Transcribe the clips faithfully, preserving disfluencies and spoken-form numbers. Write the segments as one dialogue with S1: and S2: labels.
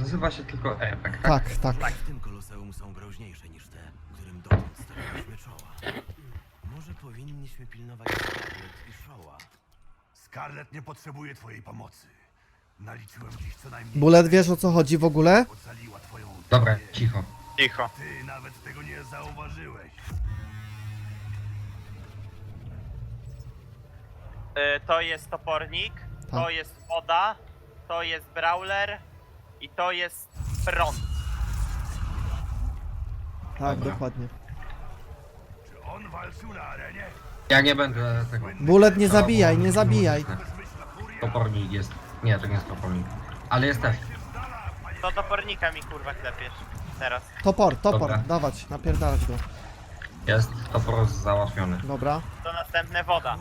S1: nazywa się tylko Airbag, tak?
S2: Tak, tak.
S3: Tak, w tym koloseum są groźniejsze niż te, którym dotąd stawiliśmy czoła. Może powinniśmy pilnować Scarlet i Showa.
S4: Scarlet nie potrzebuje twojej pomocy. Naliczyłem dziś co najmniej.
S2: Bullet, wiesz o co chodzi w ogóle?
S4: Ocaliła twoją
S1: Dobra,
S4: zdrowie.
S1: cicho.
S5: Cicho.
S4: Ty nawet tego nie zauważyłeś.
S5: Y, to jest topornik, to
S2: Tak.
S5: jest woda, to jest brawler i to jest prąd.
S2: Tak,
S1: Dobra.
S2: dokładnie.
S4: Czy on walczył na arenie?
S1: Ja nie będę tego...
S2: Bullet, nie zabijaj, nie zabijaj.
S1: Topornik jest. Nie, to nie jest topornik. Ale jest też.
S5: To topornika mi kurwa klepiesz. Teraz.
S2: Topor, topor,
S1: Dobra.
S2: dawać, napierdalać go.
S1: Jest topor załatwiony.
S2: Dobra.
S5: To następne woda.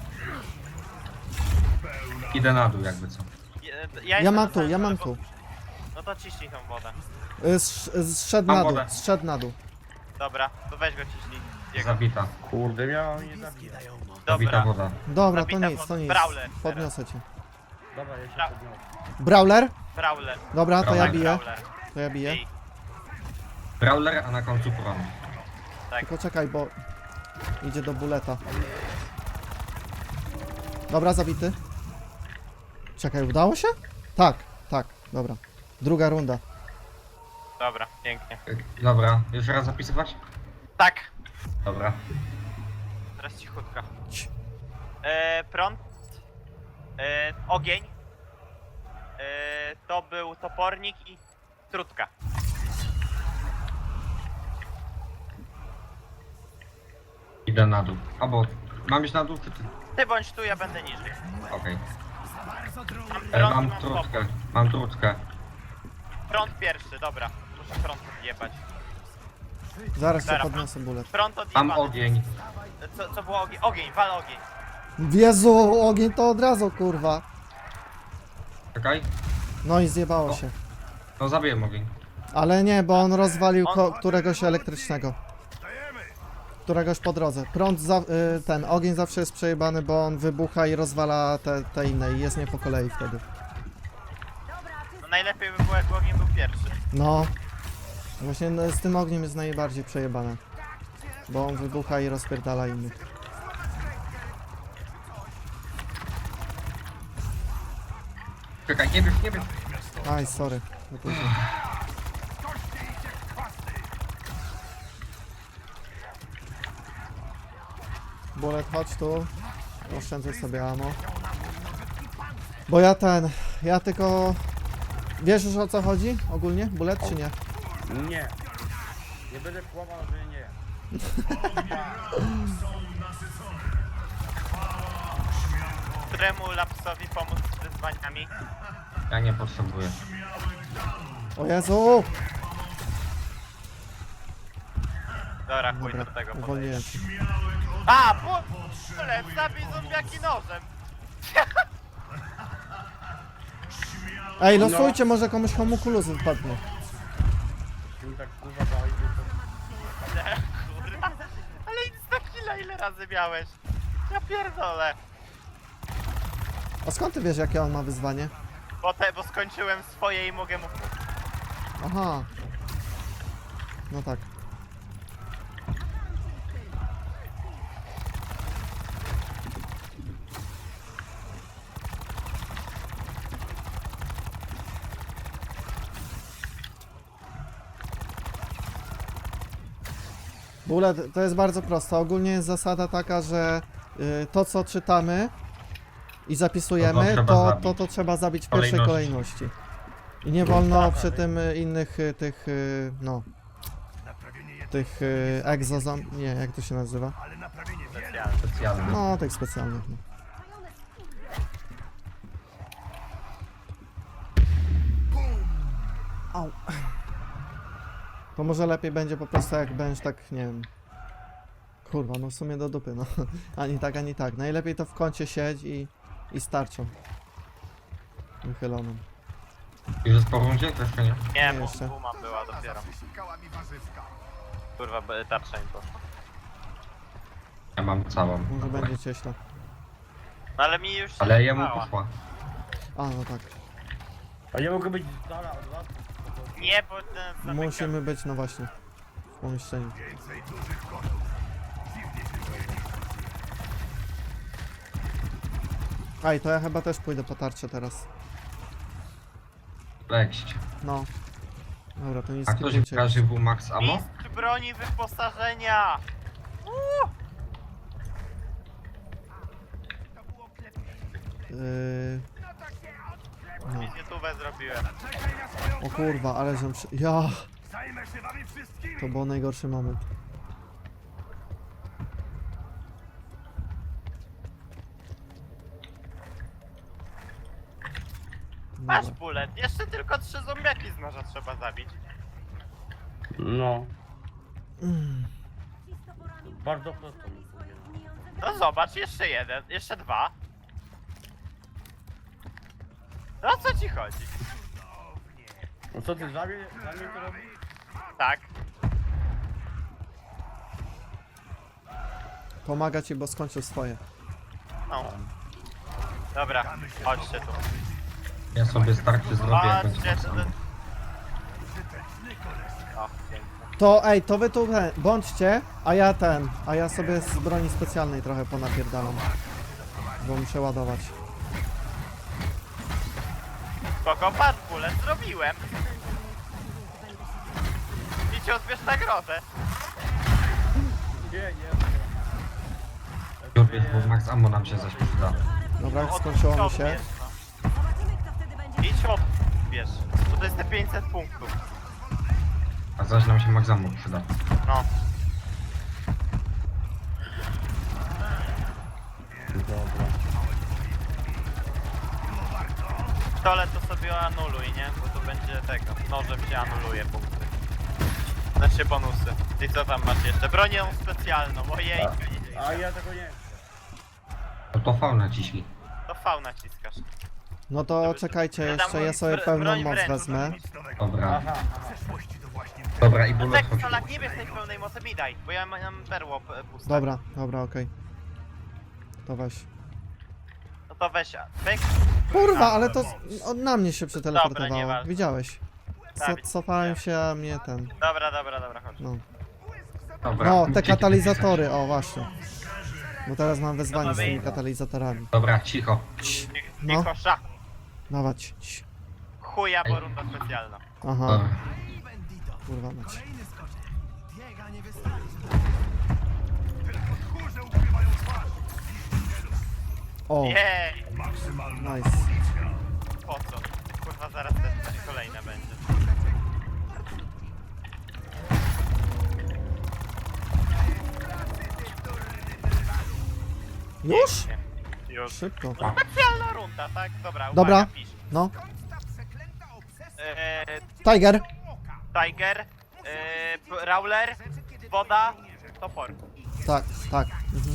S1: Idę na dół jakby co.
S5: Ja,
S2: Ja
S5: jestem
S2: mam
S5: na
S2: tu,
S5: samym
S2: ja
S5: dole,
S2: mam
S5: bo-
S2: tu.
S5: No to ciśnij tą wodę.
S2: Y, sz- Zszedł
S1: Mam
S2: na dół,
S1: wodę.
S2: zszedł na dół.
S5: Dobra, to weź go ciśnij. Jego.
S1: Zabita.
S6: Kurde, miała mnie zabijać.
S1: Zabita
S5: Dobra.
S1: woda.
S2: Dobra, to
S5: Zabita
S2: nic, to
S5: pod
S2: nic.
S5: brawler
S2: Podniosę cię.
S6: Dobra, ja się
S5: Bra-
S6: podniosę.
S2: Brawler?
S5: Brawler.
S2: Dobra, to ja
S1: Brawler.
S2: biję.
S5: Brawler.
S2: To ja biję.
S5: Ej,
S1: Brawler, a na końcu prąd.
S5: tak.
S2: Tylko czekaj, bo idzie do buleta. Dobra, zabity. Czekaj, udało się? Tak, tak, dobra. Druga runda.
S5: Dobra, pięknie.
S1: Dobra, jeszcze raz zapisywać?
S5: Tak.
S1: Dobra.
S5: Teraz cichutko.
S2: Cii.
S5: E, prąd. E, ogień. E, to był topornik i trutka.
S1: Idę na dół. Albo mam iść na dół, czy ty?
S5: Ty bądź tu, ja będę niżej.
S1: Okej.
S5: Mam
S1: E,
S5: prąd,
S1: Mam
S5: mam
S1: trutkę,
S5: topór.
S1: mam trutkę.
S5: Prąd pierwszy, dobra. Muszę prąd odjebać.
S2: Zaraz cię
S5: Dobra.
S2: podniosę bullet.
S5: Prąd odjebany.
S1: Mam ogień.
S5: Co, co było ogień? Ogień, wal ogień.
S2: Jezu, ogień to od razu, kurwa.
S1: Czekaj.
S2: No i zjebało
S1: O.
S2: się.
S1: No zabiję ogień.
S2: Ale nie, bo on rozwalił
S5: On-
S2: ko- któregoś elektrycznego. Któregoś po drodze. Prąd, za, y, ten ogień zawsze jest przejebany, bo on wybucha i rozwala te, te inne i jest nie po kolei wtedy.
S5: No najlepiej by było, jakby ogień był pierwszy.
S2: No. Właśnie no, z tym ogniem jest najbardziej przejebane. Bo on wybucha i rozpierdala innych.
S1: Czekaj, nie bierz, nie bierz.
S2: Aj, sorry. Za późno. Bullet, chodź tu. Oszczędzaj sobie ammo. Bo ja ten... Ja tylko... Wiesz już o co chodzi? Ogólnie? Bullet czy nie?
S6: Nie. Nie będę kłamał, że nie.
S5: Któremu lapsowi pomóc z wyzwaniami?
S1: Ja nie potrzebuję.
S2: O Jezu!
S5: Dobra, chuj
S2: Dobra,
S5: do tego podejść.
S2: uwolniłem się.
S5: A, bullet, zabij zombiaki nożem.
S2: Ej, losujcie, może komuś homunculuzy wpadnie.
S6: Czyli tak kurwa bałeś, że
S5: Kurwa. Ale insta killa ile razy miałeś? Ja pierdolę.
S2: A skąd ty wiesz, jakie on ma wyzwanie?
S5: Bo, te, bo skończyłem swoje i mogę mu...
S2: Aha. No tak. Bullet, to jest bardzo proste. Ogólnie jest zasada taka, że y, to co czytamy i zapisujemy,
S1: trzeba
S2: to,
S1: zabić.
S2: to, to trzeba zabić w pierwszej
S1: Kolejności.
S2: kolejności. I nie wolno przy tym y, innych y, tych, y, no,
S4: Naprawienie jednego,
S2: tych y, egzozom... Nie, jak to się nazywa?
S4: ale naprawienie wielu.
S5: Specjalny.
S1: Specjalny.
S2: No, tych specjalnych. No. Au. To może lepiej będzie po prostu jak będziesz tak, nie wiem... Kurwa, no w sumie do dupy, no. Ani tak, ani tak. Najlepiej to w kącie siedź i, i starczą. Wychyloną.
S1: Już jest po rundzie? To jeszcze nie.
S5: Nie,
S2: Nie,
S5: bo
S2: jeszcze.
S5: buma była dopiero.
S4: Wysikała mi warzywka.
S5: Kurwa, by- tarcza im poszła.
S1: Ja mam całą.
S2: Może
S1: Dobra.
S2: będzie cieśla.
S5: No ale mi już się
S1: Ale jemu
S5: zjebała.
S1: poszła.
S2: A, no tak.
S6: A ja mogę być z dala od was?
S5: Nie, bo ten zamyka.
S2: Musimy być, no właśnie, w pomieszczeniu.
S4: Więcej dużych kotów. Dziwnie się dzieje.
S2: Aj, to ja chyba też pójdę po tarczę teraz.
S1: Lekść.
S2: No. Dobra, to nie
S1: A ktoś
S2: skipujcie.
S1: pokaże W max ammo?
S5: Mistrz broni wyposażenia!
S2: Yy... No.
S5: Wizytówę zrobiłem.
S2: O kurwa, ale żem przy... Ja!
S4: Zajmę się wami wszystkimi.
S2: To był najgorszy moment.
S5: Masz
S2: Dobra.
S5: bullet. Jeszcze tylko trzy zombiaki z noża trzeba zabić.
S6: No,
S2: Mm.
S6: bardzo prosto. mi powiedział.
S5: No zobacz, jeszcze jeden, jeszcze dwa. No o co ci chodzi?
S6: No co ty za mnie, za mnie to robisz?
S5: Tak.
S2: Pomaga ci, bo skończył swoje.
S5: No. Dobra, chodźcie tu.
S1: Ja sobie starczy zrobię jak będzie
S5: Chodźcie
S1: max
S5: tu.
S1: ammo.
S5: O, pięknie.
S2: To ej, to wy tu he, bądźcie, a ja ten, a ja sobie z broni specjalnej trochę ponapierdalam. Bo muszę ładować.
S5: Spoko, patrz, bullet zrobiłem. I ci odbierz nagrodę.
S6: Nie, nie.
S1: Lubię W max ammo nam się zaś przyda.
S2: Dobra,
S5: Od-
S2: skończyło mi się.
S5: odbierz, no. Idź odbierz. Bo to jest te pięćset punktów.
S1: A zaś nam się max ammo przyda.
S5: No.
S6: Dobra.
S5: Stole to sobie anuluj, nie? Bo to będzie tego. Nożem się anuluje punkty. Znaczy bonusy. I co tam masz jeszcze? Bronię specjalną, ojej.
S6: A ja tego nie chcę.
S1: No to V naciśnij.
S5: To V naciskasz.
S2: No to czekajcie jeszcze, ja sobie
S5: Br-
S2: pełną
S5: broń
S2: moc
S5: wręcz.
S2: wezmę.
S1: Dobra.
S6: Aha, aha.
S4: Przeszłości to właśnie
S1: Dobra i
S5: No
S1: bullet
S5: tak,
S1: chodź.
S5: Solak, nie bierz tej pełnej mocy, mi daj, bo ja mam perło p- puste.
S2: Dobra, dobra, okej. To weź.
S5: No to weź, weź.
S2: Kurwa, ale to z- on na mnie się przeteleportowało.
S5: nieważne.
S2: Widziałeś. Co,
S5: Tak,
S2: cofałem się, a mnie ten.
S5: Dobra, dobra, dobra, chodź.
S2: No.
S1: Dobra.
S2: No, te
S1: Dzięki.
S2: katalizatory, o właśnie. Bo teraz mam wyzwanie
S5: No
S2: z
S5: to
S2: tymi
S5: wyjdź.
S2: katalizatorami.
S1: Dobra, cicho.
S2: No.
S5: No. Kosza.
S2: Dawać. Cii.
S5: Chuja, bo runda specjalna.
S2: Aha,
S1: Dobra.
S2: kurwa mać.
S4: tchórze ukrywają twarz.
S2: O,
S5: Jej,
S4: Maksymalna
S2: nice.
S5: po co? Kurwa, zaraz też coś kolejne będzie.
S2: Już?
S5: Nie, już.
S2: Szybko.
S5: No specjalna runda, tak? Dobra, uwaga,
S2: Dobra.
S5: pisz.
S2: No,
S5: Eee,
S2: Tiger.
S5: Tiger, eee, p- Rowler, woda, topor.
S2: Tak, tak. Mhm.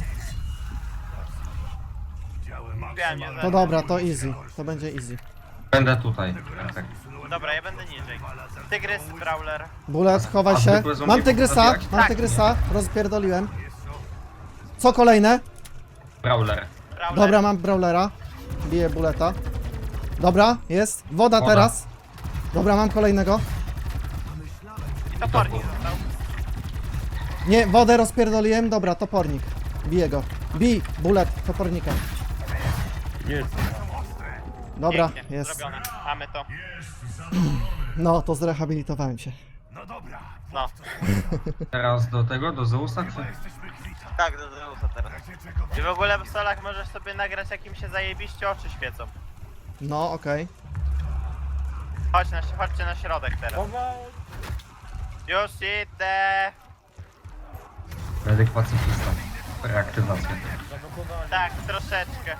S4: Widziałem
S5: Wiem, nie
S2: To dobra, to easy. To będzie easy.
S1: Będę tutaj. Tak.
S5: Dobra, ja będę niżej. Tygrys, Brawler.
S2: Bullet, chowaj
S1: A
S2: się.
S1: zwykłe zombie
S2: Mam tygrysa,
S1: zabijać?
S2: mam
S5: Tak.
S2: tygrysa. Rozpierdoliłem. Co kolejne?
S1: Brawler.
S5: Brawler.
S2: Dobra, mam brawlera. Biję buleta. Dobra, jest. Woda
S1: Woda.
S2: teraz. Dobra, mam kolejnego.
S5: I topornik został.
S2: Nie, wodę rozpierdoliłem. Dobra, topornik. Biję go. Bij, bullet, topornika.
S6: Jest.
S2: Dobra,
S5: Pięknie,
S2: jest.
S5: zrobione. Mamy to.
S2: No, to zrehabilitowałem się.
S4: No dobra,
S5: No.
S1: Teraz do tego, do Zeusa czy?
S4: jesteśmy kwita.
S5: Tak, do Zeusa teraz.
S4: Razie czego
S5: I w ogóle w Solach możesz sobie nagrać, jak im się zajebiście oczy świecą.
S2: No, okej.
S5: Chodź na, chodźcie na środek teraz.
S6: Powoli.
S5: Już idę.
S1: Medyk pacyfista. Reaktywacja.
S6: Zablokowali.
S5: Tak, troszeczkę.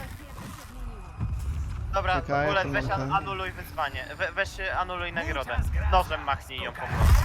S5: Dobra,
S2: Czekaj,
S5: w ogóle
S2: to
S5: weź
S2: mam
S5: an
S2: ten.
S5: anuluj wyzwanie. We weź y, anuluj nagrodę. Nożem machnij ją po prostu.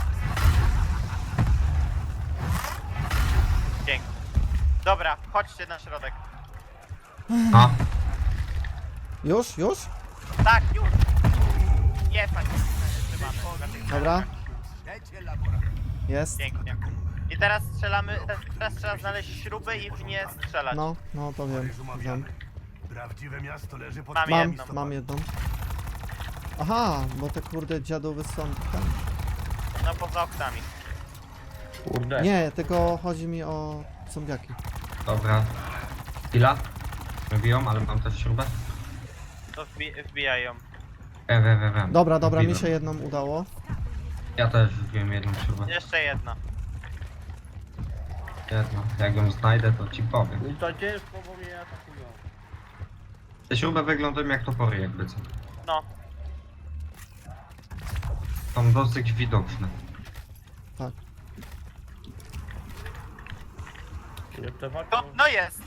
S5: Dzięki. Dobra, chodźcie na środek.
S1: A,
S2: Już, już?
S5: Tak, już! Nie, panie. Trzymamy.
S2: Dobra. Jest.
S5: Pięknie. I teraz strzelamy, teraz trzeba znaleźć śruby i w nie strzelać.
S2: No, no to wiem.
S4: Paryż
S2: wiem.
S4: umawiamy. Prawdziwe miasto leży pod
S5: Mam
S2: Mam,
S5: jedną.
S2: mam jedną. Aha, bo te kurde dziadowy są tam.
S5: No poza oknami.
S6: Kurde.
S2: Nie, tylko chodzi mi o zombiaki.
S1: Dobra. Chwila. Wybiją, ale mam też śrubę.
S5: To wbi wbijają.
S1: E, we, we, we.
S2: Dobra, dobra, mi
S1: Wbiłem.
S2: się jedną udało.
S1: Ja też wbiłem jedną śrubę.
S5: Jeszcze jedna.
S1: Jedno. Jak ją znajdę, to ci powiem.
S6: I to ciężko, bo mnie atakują.
S1: Te śruby wyglądają jak topory, jakby co.
S5: No.
S1: Są dosyć widoczne.
S2: Tak.
S6: Jeszcze walczą.
S5: No, no jest.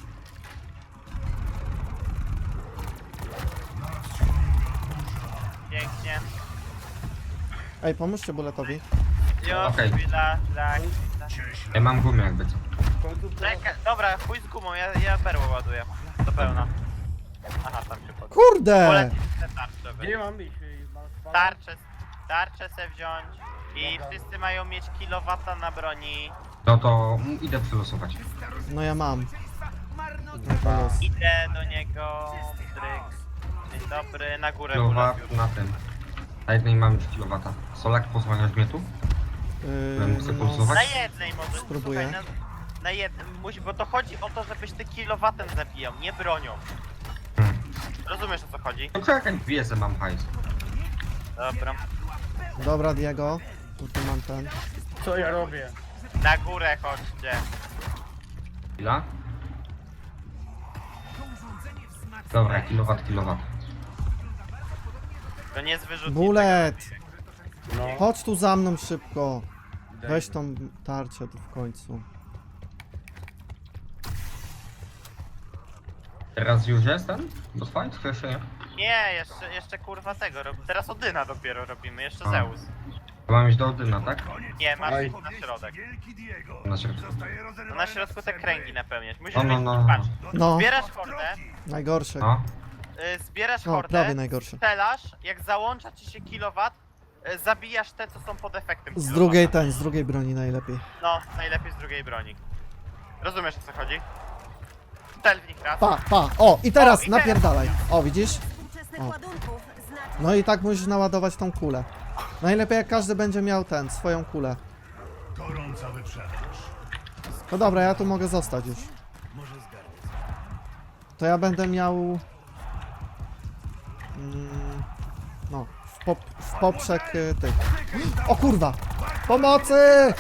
S5: Pięknie.
S2: Ej, pomóżcie buletowi.
S5: Już,
S1: Okej.
S5: chwila, tak.
S1: Ja mam gumę, jakby co.
S6: W końcu
S5: Czekaj, dobra, chuj z gumą, ja, ja perłę ładuję. Do pełna. Aha, tam się pod...
S2: Kurde!
S5: Polecić te tarcze.
S6: Gdzie mam iść? Mam spalać?
S5: Tarczę, tarczę se wziąć. I wszyscy mają mieć kilowata na broni.
S1: No to mm, idę przylosować.
S2: No ja mam. No to jest.
S5: Idę do niego. Dryk. Dzień dobry, na górę
S1: Kilowat
S5: ulec już.
S1: na tym. Na jednej mam już kilowata. Solak, pozwaniasz mnie tu? Bym
S2: Yy,
S1: chcę
S2: no,
S1: pulsować?
S5: Na jednej może.
S2: Spróbuję.
S5: Słuchaj, na, na jednej, musi, bo to chodzi o to, żebyś ty kilowatem zabijał, nie bronią.
S1: Hmm.
S5: Rozumiesz o co chodzi?
S1: No czekaj, wiedzę, mam hajs.
S5: Dobra.
S2: dobra, Diego. Tutaj mam ten.
S6: Co ja robię?
S5: Na górę chodźcie.
S1: Chwila. Dobra, kilowat, kilowat.
S5: To nie jest wyrzutnik.
S2: Bullet!
S6: No.
S2: Chodź tu za mną szybko.
S6: Daj.
S2: Weź tą tarczę tu w końcu.
S1: Teraz już jestem? Do fight? To jeszcze nie.
S5: Nie, jeszcze, jeszcze kurwa tego. Rob... Teraz Odyna dopiero robimy, jeszcze
S1: A.
S5: Zeus.
S1: Mam iść do Odyna, tak?
S5: Nie, masz
S6: Oj.
S5: iść na środek.
S4: Wielki Diego.
S1: Na środku.
S4: Zostaje
S5: No
S4: rozerwany
S5: na środku te
S4: sfery.
S5: kręgi napełniać. Musisz
S1: No, no,
S5: mieć,
S1: no.
S5: patrz,
S2: No,
S5: zbierasz hordę,
S2: najgorsze.
S1: No.
S5: y, zbierasz
S2: No,
S5: hordę,
S2: prawie najgorsze.
S5: strzelasz, jak załącza ci się kilowat, y, zabijasz te, co są pod efektem
S2: Z
S5: kilowata.
S2: drugiej ten, z drugiej broni najlepiej.
S5: No, najlepiej z drugiej broni. Rozumiesz o co chodzi? Stel w nich raz.
S2: Pa, pa. O, i teraz
S5: O, i teraz.
S2: napierdalaj. O, widzisz?
S7: Współczesnych
S2: O.
S7: ładunków znaczy...
S2: No i tak musisz naładować tą kulę. Najlepiej jak każdy będzie miał ten, swoją kulę.
S4: Gorąca wyprzedaż.
S2: No dobra, ja tu mogę zostać już.
S3: Może zgarnę.
S2: To ja będę miał... Mm, no, w, pop, w poprzek y, tych. O kurwa! Pomocy!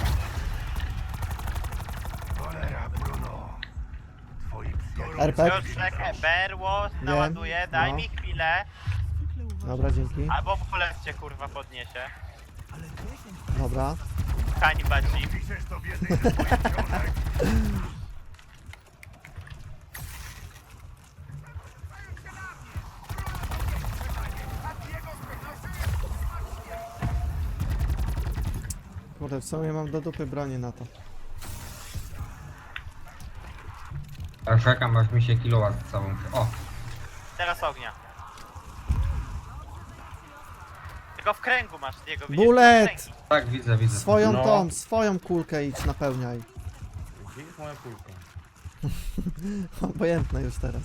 S4: Cholera, Bruno. Twoi przyjaciele.
S2: R P.
S5: Piotrek, berło, naładuję, daj
S2: no.
S5: mi chwilę,
S2: Dobra, dzięki.
S5: albo polec cię kurwa podniesie.
S2: Dobra.
S5: Hańba ci.
S4: Piszesz to w jednej ze swoich książek.
S2: Kurde, w sumie mam do dupy broni na to.
S1: Ja czekam, aż mi się kilowat całą... O!
S5: Teraz ognia. Tylko w kręgu masz jego, widzisz?
S2: Bullet!
S5: Kręgi.
S1: Tak, widzę, widzę.
S2: Swoją
S6: No.
S2: tą, swoją kulkę idź napełniaj.
S6: Gdzie jest moja kulka?
S2: Obojętne już teraz.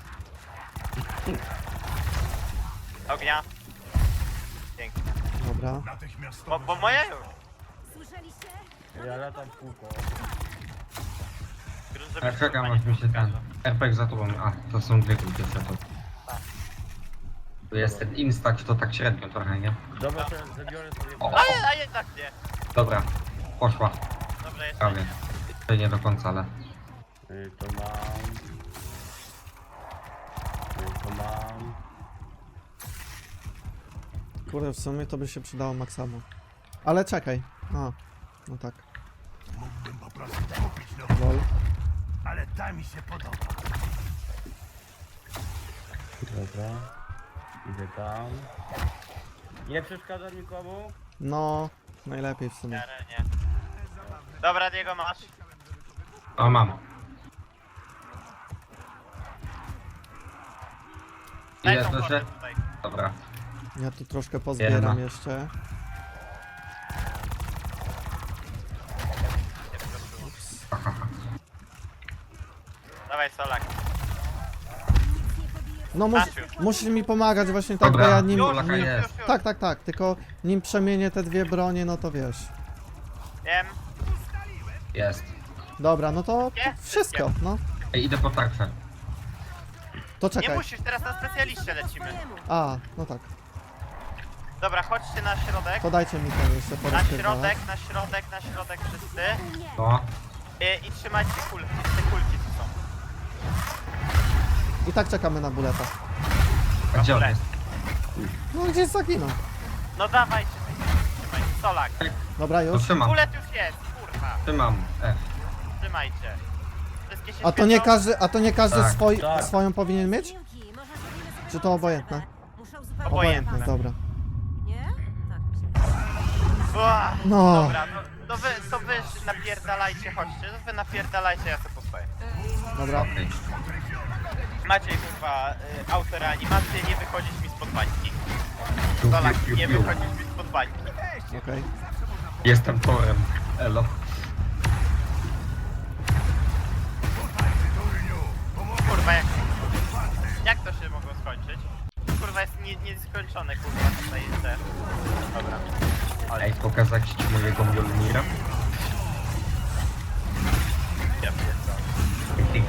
S5: Ognia. Pięknie.
S2: Dobra.
S5: Bo,
S4: Natychmiastowe.
S5: bo moja już.
S7: Słyszeliście?
S6: Ja latam w kółko.
S5: Grunt, żeby
S1: Ja czekam,
S5: kurwa
S1: aż mi się
S5: nie
S1: ten...
S5: pokazał.
S1: R P G za tobą... A, to są dwie kulki jeszcze to. To jest ten instać, to tak średnio trochę, nie?
S6: Dobra, to zabiorę sobie...
S1: O.
S5: A, je- a jednak nie.
S1: Dobra. Poszła.
S5: Dobra, jeszcze
S1: Prawie.
S5: nie.
S1: To nie do końca, ale...
S6: Y, To mam... Y, To mam...
S2: Kurde, w sumie to by się przydało maksamo. Ale czekaj. A, no tak.
S4: Mógłbym po prostu kupić nową,
S2: Lol.
S4: ale ta mi się podoba.
S6: Dobra. Idę tam. Nie przeszkadza nikomu?
S2: No, najlepiej w sumie.
S5: Nie, nie. Dobra, Diego masz.
S1: O, mam.
S5: Daj
S1: Ile
S5: tą
S1: słyszę?
S5: kordę tutaj.
S1: Dobra.
S2: Ja tu troszkę pozbieram
S1: Jedna.
S2: jeszcze.
S5: Dawaj Solak.
S7: Nic nie pobije
S2: No mus,
S5: Masz już.
S2: musisz mi pomagać właśnie tak,
S1: Dobra,
S2: bo ja nim...
S1: już,
S5: Już,
S1: Polaka
S5: już,
S1: jest.
S5: już, już.
S2: Tak, tak, tak, tylko nim przemienię te dwie bronie, no to wiesz.
S5: Wiem.
S1: Jest.
S2: Dobra, no to
S5: Jest,
S2: wszystko, no.
S1: Ej, idę po tarczę.
S2: To
S5: Nie
S2: czekaj.
S5: musisz, teraz na specjaliście lecimy.
S7: Swojemu.
S2: A, no tak.
S5: Dobra, chodźcie na środek.
S2: To dajcie mi ten jeszcze
S5: Na
S2: porozpierdalać.
S5: środek, na środek, na środek wszyscy.
S7: Nie.
S1: No.
S5: I, i trzymajcie kulki, te kulki tu są.
S2: I tak czekamy na buleta.
S1: A gdzie on
S5: Dobra.
S1: jest?
S2: No gdzieś zaginął.
S5: No dawajcie, trzymajcie. Solak.
S2: Dobra,
S1: To
S2: już.
S1: trzymam.
S5: Kulet już jest, kurwa.
S1: Trzymam. F.
S5: Trzymajcie. Wszystkie się
S2: A to nie
S5: świecą?
S2: każdy, a to nie każdy
S1: Tak.
S2: swoi,
S6: Tak.
S2: swoją powinien mieć?
S7: Piłki, może zrobimy sobie
S2: Czy to obojętne?
S7: Muszę uzupełnić
S5: Obojętne.
S7: pas.
S2: Dobra.
S7: Nie? Tak mi się
S5: Ua,
S2: No.
S5: Dobra, no, to wy, to wy napierdalajcie, chodźcie. To wy napierdalajcie, ja sobie postoję.
S2: Dobra.
S1: Okej.
S5: Maciej, kurwa, y, autoreanimację, nie wychodzić mi spod bańki.
S1: Piu,
S5: Solak,
S1: piu, piu,
S5: nie
S1: piu.
S5: wychodzić mi spod bańki.
S2: Okej.
S1: Jestem torem. Elo.
S5: Kurwa, jak... Jak to się mogło skończyć? Kurwa, jest nie, nieskończone, kurwa, tutaj jest też. Dobra.
S1: Ej, pokazać ci mojego Mjolnira?
S5: Ja pierdolę.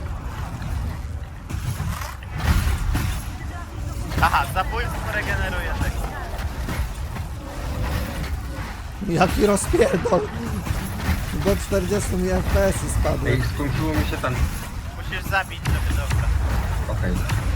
S5: Aha, zabójstwo regeneruje tego.
S2: Jaki rozpierdol. Do czterdziestu mi F P S-y spadły.
S1: Ej, skończyło mi się ten...
S5: Musisz zabić, żeby dostać.
S1: Okej.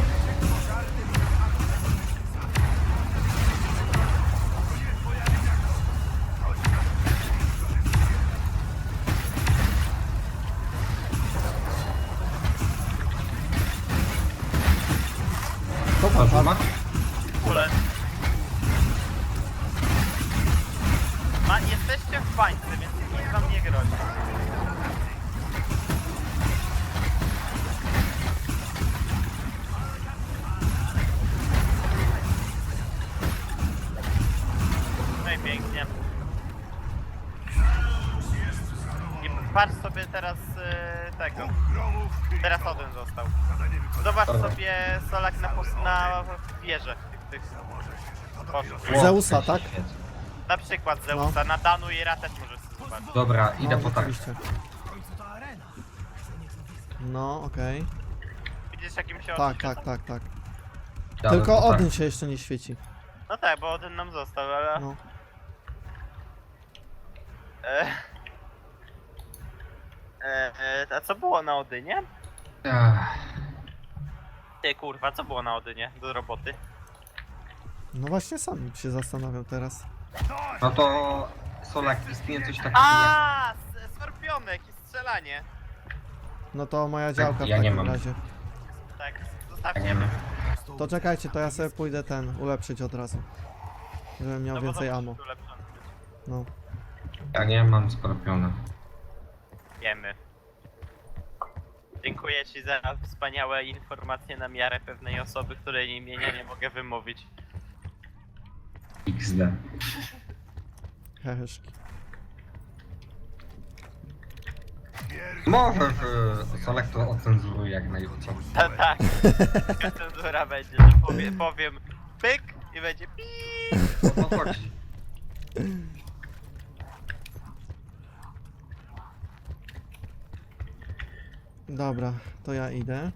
S2: To
S1: Okay.
S2: pan,
S1: ma?
S5: Kulet. Ma, jesteście w bańce, więc nic wam nie grozi. No i pięknie. I patrz sobie teraz y, tego. Teraz Odyn został. Zobacz
S1: Dobra.
S5: sobie Solak na, pos- na wieżę tych, tych poszów.
S1: Ło,
S2: Zeusa,
S1: się
S2: tak?
S1: świeci.
S5: Na przykład Zeusa, na Danu i Ra też możesz sobie zobaczyć.
S1: Dobra, idę
S2: No,
S1: po tarczę.
S2: rzeczywiście. No, okej.
S5: Widzisz jakim się
S2: Tak,
S5: oczy
S2: tak,
S5: świecą?
S2: tak, tak.
S1: Jadę
S2: Tylko
S1: po tarczę.
S2: Odyn się jeszcze nie świeci.
S5: No tak, bo Odyn nam został, ale...
S2: No.
S5: E... E, e, a co było na Odynie?
S1: Ach,
S5: Ty kurwa, co było na Odynie do roboty?
S2: No właśnie sam się zastanawiam teraz.
S1: No to... Solak, istnieje coś takiego
S5: A, s- Skorpionek i strzelanie.
S2: No to moja działka w
S1: ja nie
S2: takim
S1: mam.
S2: razie.
S5: Tak,
S1: jak...
S5: zostawcie
S1: Nie wiem.
S5: mnie.
S2: To czekajcie, to ja sobie pójdę ten, ulepszyć od razu. Żebym miał
S5: No bo
S2: więcej
S5: to
S2: ammo.
S5: musi ulepszone być.
S2: No.
S1: Ja nie mam skorpiona.
S5: Wiemy. Dziękuję ci za wspaniałe informacje na miarę pewnej osoby, której imienia nie mogę wymówić.
S1: X D.
S2: Heheszki.
S1: Może w Solak to ocenzuruje jak najlepiej.
S5: Ta, tak. Taka cenzura będzie, że powie, powiem pyk i będzie piii.
S1: O to chodzi.
S2: Dobra, to ja idę.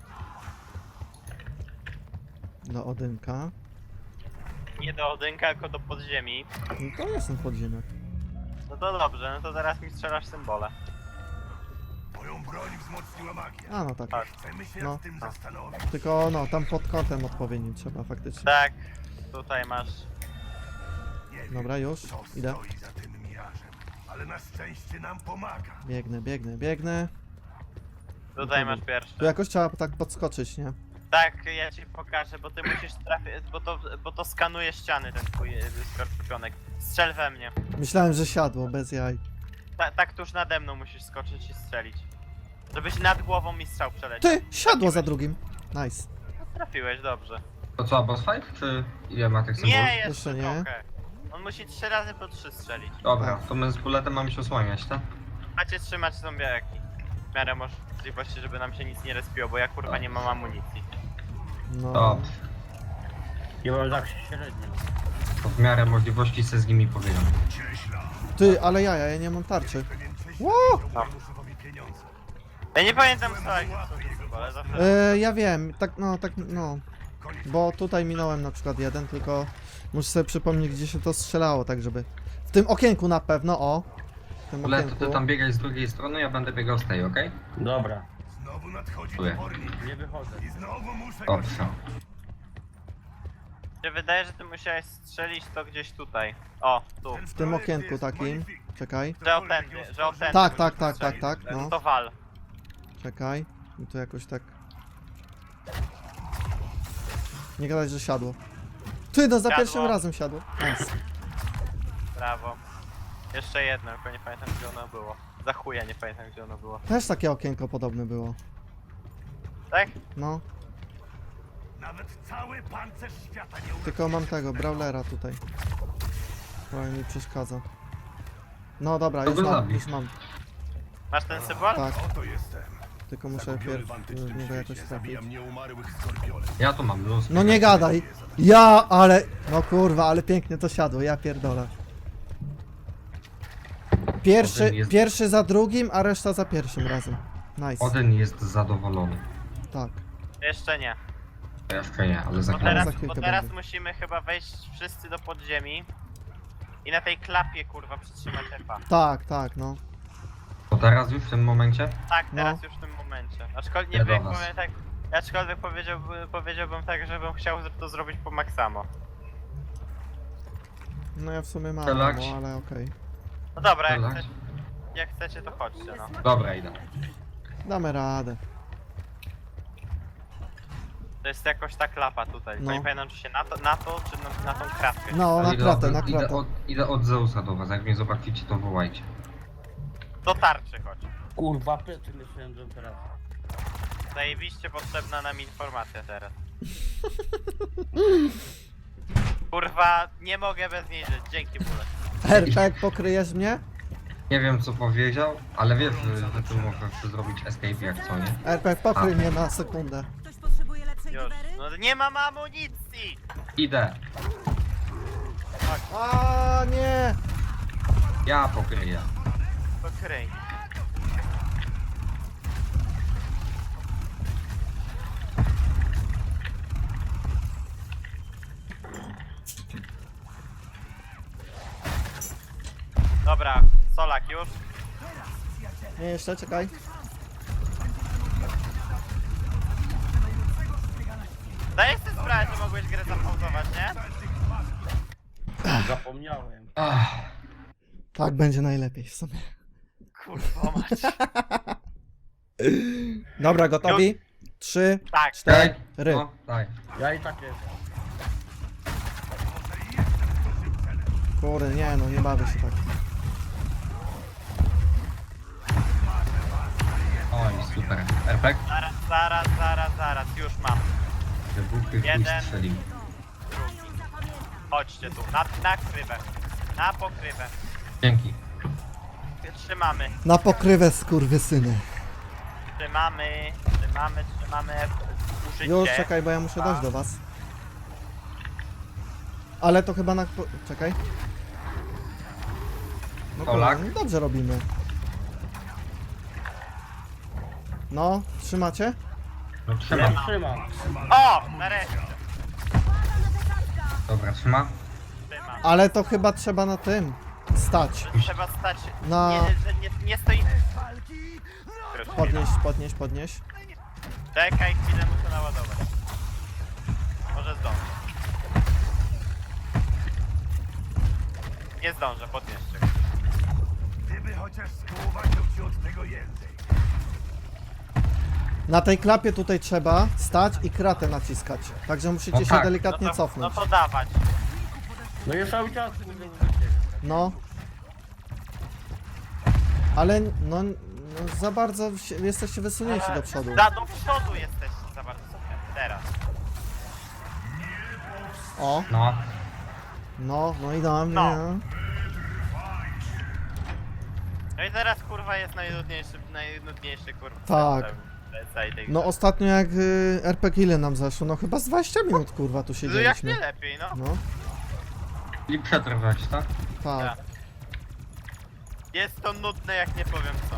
S2: Do Odynka.
S5: Nie do Odynka, tylko do podziemi.
S2: No to jestem podziemiak.
S5: No to dobrze, no to zaraz mi strzelasz symbole.
S4: Moją broń wzmocniła magia.
S2: A no tak.
S5: Tak.
S4: Chcemy się
S2: No.
S4: nad tym zastanowić.
S2: Tylko no, tam pod kątem odpowiednim trzeba faktycznie.
S5: Tak, tutaj masz.
S4: Nie wiem,
S2: Dobra, już,
S4: co
S2: idę.
S4: stoi za tym mirażem, ale na szczęście nam pomaga.
S2: Biegnę, biegnę, biegnę.
S5: Tutaj
S2: Dobra.
S5: masz pierwszy.
S2: Tu jakoś trzeba tak podskoczyć, nie?
S5: Tak, ja ci pokażę, bo ty musisz trafić, bo to, bo to skanuje ściany ten twój y, skorpionek. Strzel we mnie.
S2: Myślałem, że siadło, bez jaj.
S5: Ta, tak tuż nade mną musisz skoczyć i strzelić. Żebyś nad głową mi strzał przeleciał.
S2: Ty! Siadło za
S5: Trafiłeś.
S2: drugim. Nice.
S5: Trafiłeś, dobrze.
S1: To co, boss fight? Czy ile ma tych symbolów?
S5: Nie,
S2: Jeszcze
S5: jeszcze
S2: nie.
S5: trochę. On musi trzy razy po trzy strzelić.
S1: Dobra, to my z buletem mamy się osłaniać, tak?
S5: Macie trzymać zombiaki. W miarę możliwości, żeby nam się nic nie respiło, bo ja kurwa nie mam amunicji.
S2: No.
S1: Dobrze.
S6: Ja mam tak średnio.
S1: To w miarę możliwości se z nimi powiedzą.
S4: Cieśla.
S2: Ty, ale ja, ja nie mam tarczy.
S4: Pewien cześć
S2: Ło!
S4: dał Januszowi pieniądze.
S5: Ja nie pamiętam co jak to ale zawsze...
S2: E, ja wiem, tak, no, tak, no. Bo tutaj minąłem na przykład jeden, tylko muszę sobie przypomnieć, gdzie się to strzelało, tak żeby... W tym okienku na pewno, o! W tym
S1: Ale to
S2: okienku.
S1: ty tam biegaj z drugiej strony, ja będę biegał z tej, okej?
S6: Dobra,
S4: Znowu nadchodzi
S1: Dziękuję.
S4: topornik.
S6: nie wychodzę.
S4: I znowu muszę go
S1: Dobrze.
S5: Mi się wydaje, że ty musiałeś strzelić to gdzieś tutaj. O, tu.
S2: W tym okienku takim. Czekaj,
S5: Że o tędy, że o tędy.
S2: Tak, tak, tak,
S5: strzelić.
S2: tak, tak, no.
S5: To wal.
S2: czekaj. I tu jakoś tak... Nie gadać, że siadło. Ty, no za
S5: Siadło.
S2: pierwszym razem siadło. Nice.
S5: Brawo. Jeszcze jedno, tylko nie pamiętam gdzie ono było. Za chuja nie pamiętam gdzie ono było.
S2: Też takie okienko podobne było.
S5: Tak?
S2: No,
S4: Nawet cały pancerz świata nie uleczy.
S2: tylko mam tego, brawlera tutaj. Trochę mi przeszkadza. No dobra,
S1: To
S2: już
S1: go
S2: mam,
S1: zabij.
S2: już mam.
S5: Masz ten symbol?
S2: Tak,
S4: Oto jestem.
S2: tylko muszę
S4: Zagubiony
S2: pierw
S4: w
S2: w
S4: antycznym
S2: niego jakoś
S4: świecie.
S2: trafić.
S4: Zabijam nieumarłych skorpiolem.
S1: Ja tu mam luz.
S2: No nie gadaj! Ja, ale... No kurwa, ale pięknie to siadło, ja pierdolę. Pierwszy,
S1: Potem jest-
S2: pierwszy za drugim, a reszta za pierwszym razem. Nice,
S1: Odyn jest zadowolony.
S2: tak.
S5: Jeszcze nie.
S1: Ja jeszcze nie, ale za
S5: Bo
S2: Ale
S5: teraz,
S2: za chwilkę
S5: bo teraz
S2: będzie.
S5: musimy chyba wejść wszyscy do podziemi. I na tej klapie kurwa przytrzymać F-a.
S2: Tak, tak, no.
S1: To teraz już w tym momencie?
S5: Tak,
S2: No.
S5: teraz już w tym momencie. Aczkolwiek nie
S1: Ja do
S5: wiem,
S1: was.
S5: powiem tak. Aczkolwiek powiedziałbym, powiedziałbym tak, żebym chciał to zrobić po maksamo.
S2: No ja w sumie mam,
S1: Relaks.
S2: no, ale okej.
S5: No dobra, jak,
S1: Relaks.
S5: chcecie, jak chcecie to chodźcie no.
S1: Dobra, idę.
S2: Damy radę.
S5: To jest jakoś ta klapa tutaj.
S2: No.
S5: No. Nie pamiętam czy się na to, na to czy na, na tą kratkę.
S2: No, na
S1: idę,
S2: kratę,
S1: od,
S2: na
S1: idę,
S2: kratę.
S1: od, idę od Zeusa do was, jak mnie zobaczycie to wołajcie.
S5: Do tarczy chodź.
S6: Kurwa, plecy myślałem, że teraz.
S5: Zajebiście potrzebna nam informacja teraz. Kurwa, nie mogę bez niej żyć. Dzięki bóle.
S2: R P, pokryjesz mnie?
S1: Nie wiem co powiedział, ale wiesz, że, że tu możesz zrobić escape jak co, nie?
S2: R P, pokryj
S1: A.
S2: mnie na sekundę.
S7: Ktoś potrzebuje lepszej
S5: Już.
S7: giwery?
S5: No nie mam amunicji!
S1: Idę.
S2: A nie!
S1: Ja pokryję.
S5: To kryj. Dobra, Solak już.
S2: Nie, jeszcze, czekaj.
S5: Dajesz sobie sprawę, że mogłeś grę zapauzować, nie?
S6: Zapomniałem.
S1: Ach,
S2: Tak będzie najlepiej w sumie.
S5: Kurwa mać.
S2: Dobra, gotowi? Trzy,
S5: Tak,
S2: cztery.
S1: no, daj.
S6: Ja i tak jestem.
S2: Kurde, nie no, nie bawię się tak.
S1: Oj, super. Efekt?
S5: zaraz, zaraz, zaraz, zaraz, już mam.
S1: Wybuchy chuj
S5: Jeden.
S1: strzelił.
S5: Drugi. Chodźcie tu, na, na krywę. Na pokrywę.
S1: Dzięki.
S5: Trzymamy,
S2: Na pokrywę, skurwysyny.
S5: trzymamy, trzymamy, trzymamy. Użycie.
S2: Już, czekaj, bo ja muszę dojść do was. Ale to chyba na... po- Czekaj. No
S1: Polak.
S2: kurde, dobrze robimy. No, trzymacie?
S1: No trzymam.
S6: Trzymam.
S5: O! Nareszcie.
S1: Dobra, trzyma.
S5: Trzymam.
S2: Ale to chyba trzeba na tym stać.
S5: Trzeba stać.
S2: Na-
S5: Nie, że nie, nie stoimy. Już chwila.
S2: Podnieść, podnieść, podnieść.
S5: Czekaj, chwilę muszę naładować. Może zdążę. Nie zdążę, podnieście.
S4: Gdyby chociaż skołowaciał ci od tego język.
S2: Na tej klapie tutaj trzeba stać i kratę naciskać. Także musicie
S1: No
S2: się
S1: tak.
S5: No
S2: delikatnie
S5: to, no
S2: cofnąć.
S5: to dawać.
S6: No ja cały czas mówię użycie.
S2: No. Ale no, no za bardzo się, jesteście wysunięci do przodu.
S5: Da, do przodu jesteście za bardzo sobie. Teraz.
S2: O,
S1: No.
S2: no, no i do mnie.
S5: No. No i teraz kurwa jest najnudniejszy, najnudniejszy kurwa.
S2: Tak.
S5: ten- Całej tej
S2: No
S5: grze.
S2: ostatnio jak y, R P G ile nam zeszło? No chyba z dwadzieścia minut kurwa tu
S5: No jak
S2: siedzieliśmy.
S5: nie lepiej, no.
S2: No,
S1: I przetrwać, tak?
S2: tak.
S5: Jest to nudne jak nie powiem co.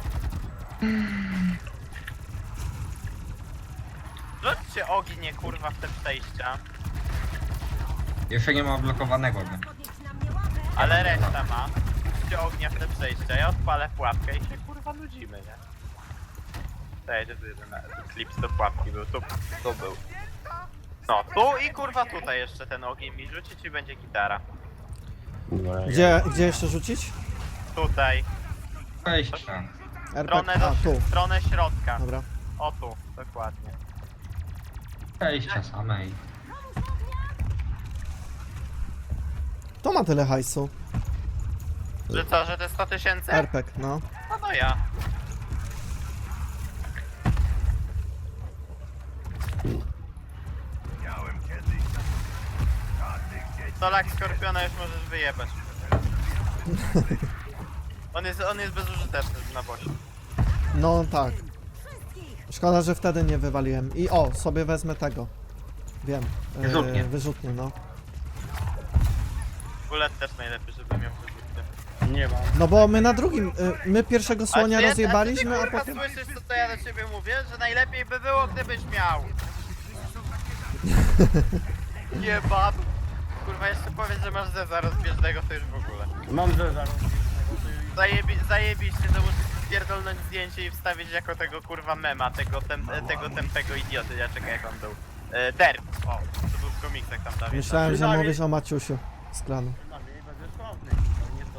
S5: Rzućcie ognie kurwa w te przejścia,
S1: Jeszcze nie ma odblokowanego, nie?
S7: Podnieść na mnie łapę.
S5: ale reszta ma. Rzućcie ognia w te przejścia, ja odpalę pułapkę i się kurwa nudzimy, nie? Dajcie tu jeden klips do pułapki był, tu, tu był. No, tu i kurwa tutaj jeszcze ten ogień mi rzucić i będzie gitara.
S2: Gdzie, gdzie jeszcze rzucić?
S5: Tutaj,
S1: Wejścia.
S2: R P
S5: stronę,
S2: G. A,
S5: do,
S2: tu.
S5: stronę środka.
S2: Dobra.
S5: O tu, dokładnie.
S1: Wejścia samej.
S2: To ma tyle hajsu.
S5: Że co, że te sto tysięcy?
S2: R P G, no.
S5: No no ja.
S4: Miałem kiedyś żadnych dzieci.
S5: Solak Skorpiona już możesz wyjebać. On jest, on jest bezużyteczny na bosie.
S2: No tak. Szkoda, że wtedy nie wywaliłem. I o, sobie wezmę tego. Wiem. e,
S1: Wyrzutnie.
S2: Wyrzutnie, no.
S5: Bullet też najlepiej, żeby miał wyrzutnie.
S6: Nie mam.
S2: No bo my na drugim, y, my pierwszego słonia
S5: A ty-
S2: rozjebaliśmy,
S5: a
S2: a
S5: ty, kurwa,
S2: potem...
S5: słyszysz co to ja do ciebie mówię? Że najlepiej by było, gdybyś miał. Jebad. Kurwa, jeszcze powiedz, że masz zeza rozbieżnego, to już w ogóle.
S6: Mam ze zaraz.
S5: Zajebi zajebiście, to muszę spierdolnąć zdjęcie i wstawić jako tego kurwa mema, tego, tem tego tępego idioty, ja czekaj jak on był. E, Derp, o, to był w komiksach tam Dawid.
S2: Myślałem, że
S6: Dawid.
S2: mówisz o Maciusiu z klanu.
S6: Dla mnie będę sławny. To nie to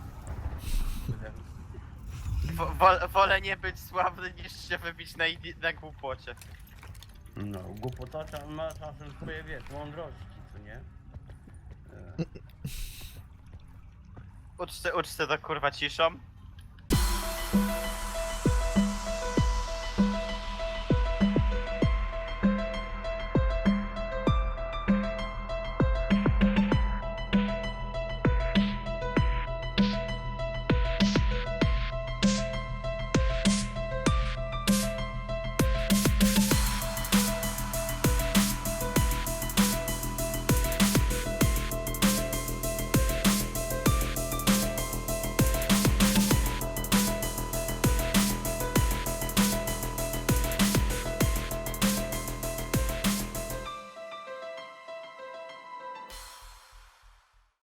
S6: co ty.
S5: Wo wol wolę nie być sławny niż się wybić na, idi- na głupocie.
S6: No, głupota cza- ma czasem swoje, wiesz, mądrości, co nie? E,
S5: Uczcie, uczcie to kurwa ciszą.